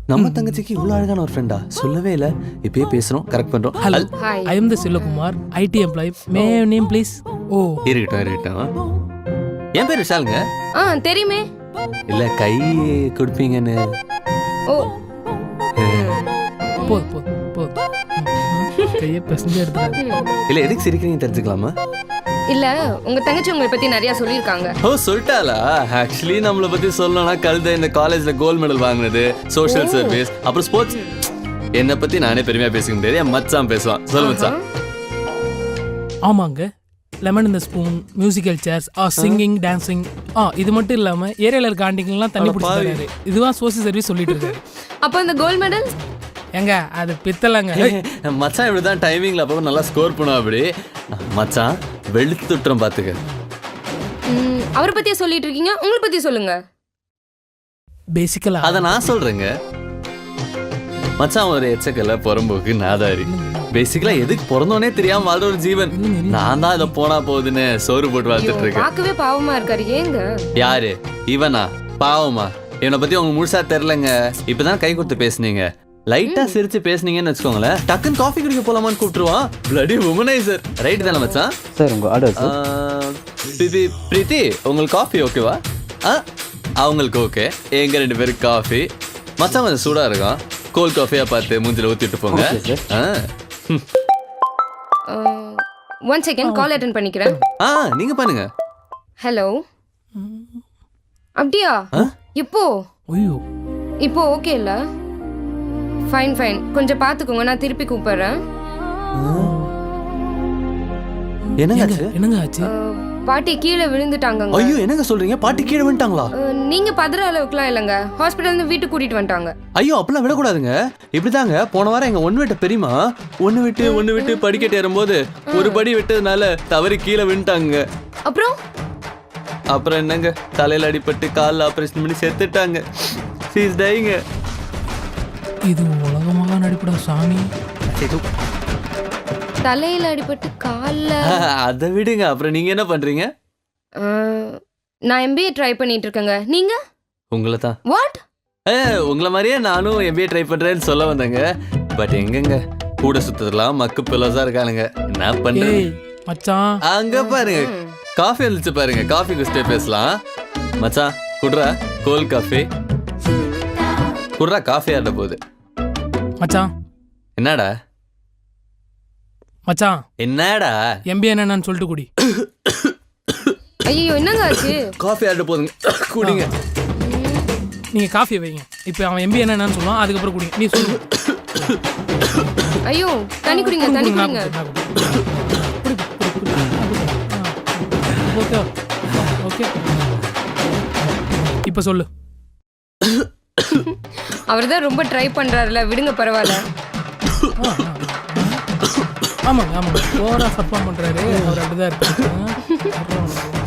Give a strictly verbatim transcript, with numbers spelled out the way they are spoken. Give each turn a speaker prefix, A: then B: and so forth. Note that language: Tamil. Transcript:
A: நம்ம தங்கச்சிக்கு இவ்வளவு அழகான ஒரு ஃப்ரெண்டா சொல்லவே இல்ல. இப்பயே பேசுறோம், கரெக்ட் பண்றோம்.
B: Hello, I am the Selvakumar, IT employee. May name please? Oh,
A: இருக்கட்டும் இருக்கட்டும். என் பேர் விஷாலுங்க.
C: ஆ தெரியுமே.
A: இல்ல கை கொடுப்பீங்கன்னு.
C: ஓ
B: போது போது போது கையை பசஞ்சு எடுத்துறாரு.
A: இல்ல எதுக்கு சிரிக்கிறீங்க தெரிஞ்சுக்கலாமா?
C: இல்ல உங்க தங்கச்சி உங்களை பத்தி நிறைய சொல்லிருக்காங்க.
A: ஓ சொல்லிட்டாளா? ஆக்சுவலி நம்மளை பத்தி சொல்லணும்னா கழுத இந்த காலேஜ்ல கோல்டு மெடல் வாங்கினது, சோஷியல் சர்வீஸ், அப்புறம் ஸ்போர்ட்ஸ். என்னை பத்தி நானே பெருமையா பேசிக்க முடியாது, என் மச்சான் பேசுவான். சொல்லு மச்சான்.
B: ஆமாங்க, லெமன் இந்த ஸ்பூன், மியூசிக்கல் சேர்ஸ், ஆ சிங்கிங், டான்சிங். ஆ இது மட்டும் இல்லாம ஏரியால இருக்க ஆண்டிங்கெல்லாம் தண்ணி பிடிச்சாரு. இதுவா சோசியல் சர்வீஸ் சொல்லிட்டு இருக்காரு.
C: அப்ப இந்த கோல்ட் மெடல்
B: எங்க அது பித்தலங்க.
A: மச்சான் இப்படிதான் டைமிங்ல அப்போ நல்லா ஸ்கோர் பண்ணுவா. அப்படி மச்சான் வெளுத்துட்டுறோம் பாத்துக்க.
C: அவரை பத்தியே சொல்லிட்டு இருக்கீங்க, உங்களை பத்தி சொல்லுங்க.
B: பேசிக்கலா
A: அத நான் சொல்றேங்க. மச்சான் ஒரு எச்சக்கல புறம்போக்கு நாதாரி. பேசிக்கலா எதுக்கு பிறந்தோனே தெரியாம வாழ்ற ஒரு ஜீவன். நான் தான் இதை போனா போகுதுன்னு சோறு போட்டு வாழ்த்துட்டு இருக்கேன்.
C: பார்க்கவே பாவமா இருக்காரு. ஏங்க? யாரு
A: இவனா? பாவமா? இவனை பத்தி உங்களுக்கு முழுசா தெரியலங்க. இப்பதான் கை கொடுத்து பேசுனீங்க, லைட்டா சிரிச்சு பேசுனீங்கன்னு வச்சுக்கோங்களேன், டக்குன்னு காஃபி குடிக்க போலாமான்னு கூப்பிட்டுருவான். Bloody womaniser. ரைட் தானே மச்சான்?
D: சார் உங்க ஆர்டர் சார்.
A: பிரீத்தி உங்களுக்கு காஃபி ஓகேவா? ஆ அவங்களுக்கு ஓகே. எங்க ரெண்டு பேருக்கு காஃபி. மச்சான் கொஞ்சம் சூடா இருக்கும், கோல்ட் காஃபியா பார்த்து மூஞ்சில ஊத்திட்டு போங்க.
C: ஒன் செகண்ட் கால் அட்டெண்ட் பண்ணிக்கிறேன்.
A: ஆ நீங்க பண்ணுங்க.
C: ஹலோ. அப்படியா? இப்போ
B: ஐயோ
C: இப்போ ஓகே இல்ல? ஃபைன் ஃபைன், கொஞ்சம் பாத்துக்கோங்க, நான் திருப்பி கூப்பிடுறேன்.
A: என்னங்க
B: என்னங்க ஆச்சு?
C: பாட்டி கீழே விழுந்துட்டாங்க.
A: ஐயோ என்னங்க சொல்றீங்க? பாட்டி கீழே விழுந்துட்டாங்களா?
C: நீங்க பதற அளவுக்குலாம் இல்லைங்க, ஹாஸ்பிட்டல் இருந்து வீட்டுக்கு கூட்டிட்டு வந்துட்டாங்க.
A: ஐயோ அப்பெல்லாம் விடக்கூடாதுங்க. இப்படிதாங்க போன வாரம் எங்க ஒண்ணு விட்ட பெரியமா ஒண்ணு விட்டு ஒண்ணு விட்டு படிக்கட்டு ஏறும்போது ஒரு படி விட்டதுனால தவறி கீழே விழுந்துட்டாங்க.
C: அப்புறம்
A: அப்புறம் என்னங்க, தலையில அடிபட்டு காலில் ஆபரேஷன் பண்ணி செத்துட்டாங்க. சீஸ் டைங்க.
B: இது உலகமாக நடிப்படா சாமி.
C: தலையில அடிபட்டு கால்ல.
A: அதை விடுங்க. அப்புறம் நீங்க என்ன பண்றீங்க?
C: நான் எம்பிஏ ட்ரை பண்ணிட்டு இருக்கேங்க. நீங்க?
A: உங்களை தான்.
C: வாட்?
A: உங்களை மாதிரியே நானும் எம்பிஏ ட்ரை பண்றேன்னு சொல்ல வந்தேங்க. பட் எங்கங்க கூட சுத்ததெல்லாம் மக்கு பிள்ளை இருக்கானுங்க. என்ன பண்றது
B: மச்சான்?
A: அங்க பாருங்க காஃபி வந்துச்சு பாருங்க. காஃபி குடிச்சிட்டே பேசலாம். மச்சான் குடுறா கோல்ட் காஃபி. குடுறா காஃபி ஆட போகுது.
B: மச்சான்
A: என்னடா?
B: மச்சான்
A: என்னடா?
B: எம்பி என்னன்னு சொல்லிட்டு குடி.
C: ஐயோ என்னங்க ஆச்சு?
A: காஃபி ஆட போதுங்க, குடிங்க.
B: நீங்க காஃபி வைங்க. இப்போ அவன் எம்பி என்னன்னு சொல்லுவான், அதுக்கப்புறம் குடிங்க. நீ சொல்லு.
C: ஐயோ தண்ணி குடிங்க, தண்ணி குடிங்க.
B: ஓகே ஓகே இப்போ சொல்லு.
C: அவர் தான் ரொம்ப ட்ரை பண்றாருல, விடுங்க பரவாயில்ல.
B: ஆமாங்க ஆமாங்க ஓவரா சப்போர்ட் பண்றாரு அவர். அப்படிதான் இருப்பாரு.